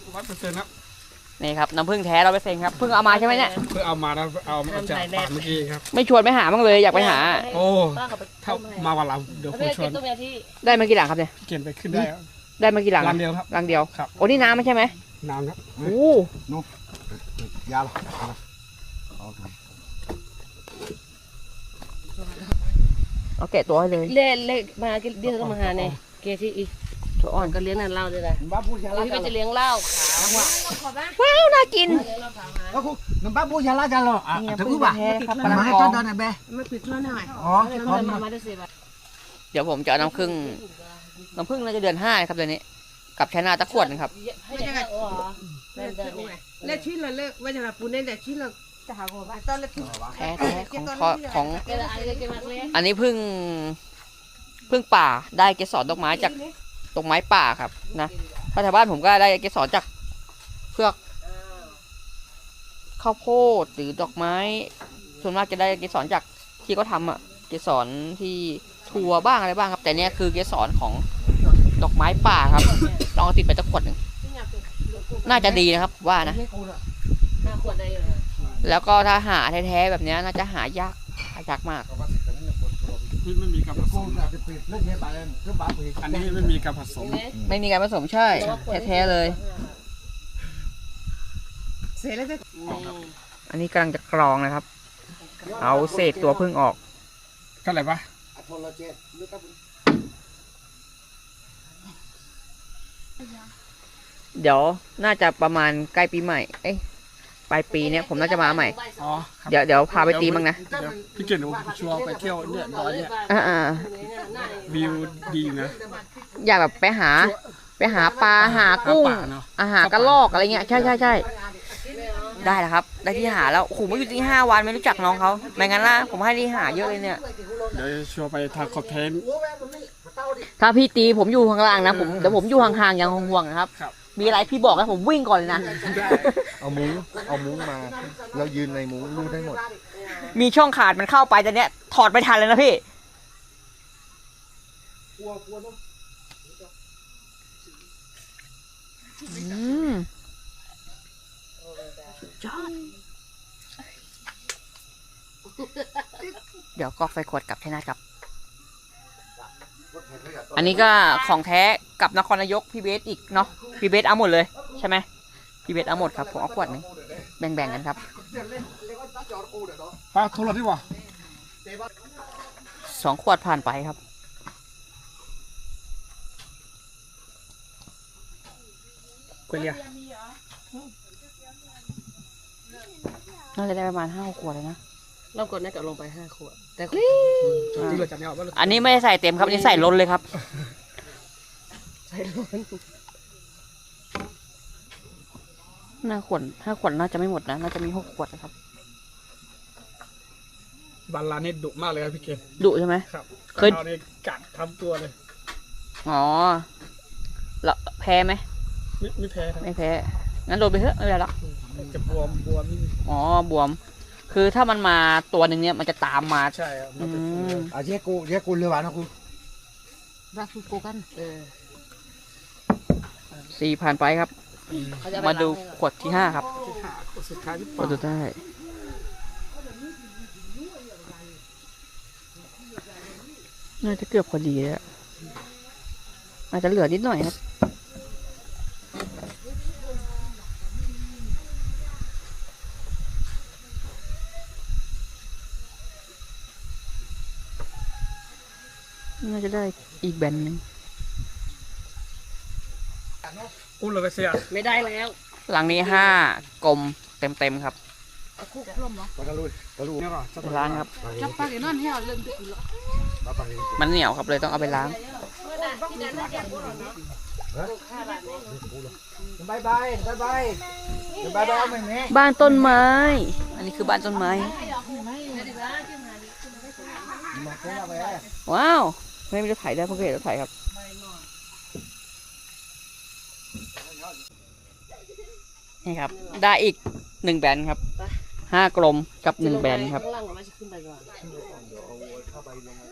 100%ครับนี่ครับน้ำผึ้งแท้100%ครับเพิ่งเอามาใช่ไหมเนี่ยเพิ่งเอามาแล้วเอาจากป่าเมื่อกี้ครับไม่ชวนไปหาบ้างเลยอยากไปหาโอ้ถ้ามาวันหลังเดี๋ยวผมชวนได้มากี่หลังครับเนี่ยเขียนไปขึ้นได้ได้มากี่หลังรังเดียวครับรังเดียวครับโอ้นี่น้ำไม่ใช่ไหมน้ำครับโอ้นู้ยาหรอเอาแกะตัวให้เลยเล่มาเดี๋ยวต้องมาหาเนี่ยเกที่อีตัวอ่อนก็เลี้ยงนั่นเหล้าด้วยนะที่มันจะเลี้ยงเหล้าขาวว้าวน่ากินแล้วคุณน้ำบ้าบูชาลาจังหรอถึงอุบะมาให้ต้นไหนเบ้มาปิดร้านหน่อยอ๋อมาได้สิบเดี๋ยวผมจะเอาน้ำผึ้งน่าจะเดือน5ครับเดือนนี้กับชนะตะขวดนะครับไม่ใช่เล่ชิ้นละเลิกว่าจะมาปูนได้ชิ้นละจะหาของต้นละชิ้นแท้ของอันนี้พึ่งป่าได้เกสรดอกไม้จากดอกไม้ป่าครับนะถ้าแถวบ้านผมก็ได้เกสรจากเพือกข้าวโพดหรือดอกไม้ส่วนมากจะได้เกสรจากที่เขาทำเกสรที่ถั่วบ้างอะไรบ้างครับแต่เนี้ยคือเกสรของดอกไม้ป่าครับลองติดไปตะขวดหนึ่งน่าจะดีนะครับว่านะแล้วก็ถ้าหาแท้ๆแบบนี้น่าจะหายากมากไม่มีการผสมอันนี้ไม่มีการผสมใช่แท้ๆเลยอันนี้กำลังจะกรองนะครับเอาเศษตัวผึ้งออกเท่าไหร่ปะเดี๋ยวน่าจะประมาณใกล้ปีใหม่ปลายปีเนี้ยผมน่าจะมาใหม่เดี๋ยวพาไปตีมั้งนะพี่เก่งชัวร์ไปเที่ยวเนี่ยดอยเนี่ยวิวดีนะอยากแบบไปหาปลาหากุ้งหากระรอกอะไรเงี้ยใช่ได้แล้วครับได้ที่หาแล้วโอ้โหมาอยู่ที่5 วันไม่รู้จักน้องเขาไม่งั้นล่ะผมให้ที่หาเยอะเลยเนี่ยเดี๋ยวชัวร์ไปทางคอนเทนต์ถ้าพี่ตีผมอยู่ข้างล่างนะเดี๋ยวผมอยู่ห่างๆอย่างห่วงๆนะครับมีอะไรพี่บอกนะผมวิ่งก่อนเลยนะเอามุ้งมาเรายืนในมุ้งรู้ได้หมดมีช่องขาดมันเข้าไปแต่เนี้ยถอดไม่ทันเลยนะพี่เดี๋ยวก็ไฟขวดกลับใช่ไหมครับอันนี้ก็ของแท้กับนครนายกพี่เบสอีกเนาะพี่เบสเอาหมดเลยใช่ไหมพี่เบสเอาหมดครับผมเอาขวดนึงแบ่งกันครับปลาโทรศัพท์ดีกว่า 2 ขวดผ่านไปครับเกลียน่าจะได้ประมาณ5 ขวดเลยนะเรากดน่าจะลงไป5 ขวดแต่อันนี้ไม่ได้ใส่เต็มครับอันนี้ใส่ล้นเลยครับใส่ล้น 5 ขวดน่าจะไม่หมดนะน่าจะมี6 ขวดนะครับบาลานี่ดุมากเลยครับพี่เกศดุใช่ไหมครับเคยกัดทำตัวเลยอ๋อแล้วแพ้ไหมไม่แพ้ครับไม่แพ้งั้นโดนไปเถอะไม่เป็นไรหรอกจะบวมอ๋อบวมคือถ้ามันมาตัวหนึ่งเนี่ยมันจะตามมาใช่ครับเจ๊กูเรือหวานนะคุณรักกูกัน 4 ผ่านไปครับมาดูขวดที่5ครับสุดท้ายขวดสุดท้ายน่าจะเกือบพอดีแล้วอาจจะเหลือนิดหน่อยครับน่าจะได้อีกแบนนึงอุ้มเลยไปเสียไม่ได้แล้วหลังนี้5 กลมเต็มครับคุกร่วมเหรอล้างครับจับปลาเดี๋ยวนั่นให้เอาเริ่มกินแล้วมันเหนียวครับเลยต้องเอาไปล้างบ้านต้นไม้อันนี้คือบ้านต้นไม้ว้าวไม่มีรถไถได้เพิ่งเห็นรถไถครับนี่ครับได้อีก1 แบนครับ5 กลมกับ1 แบนครับ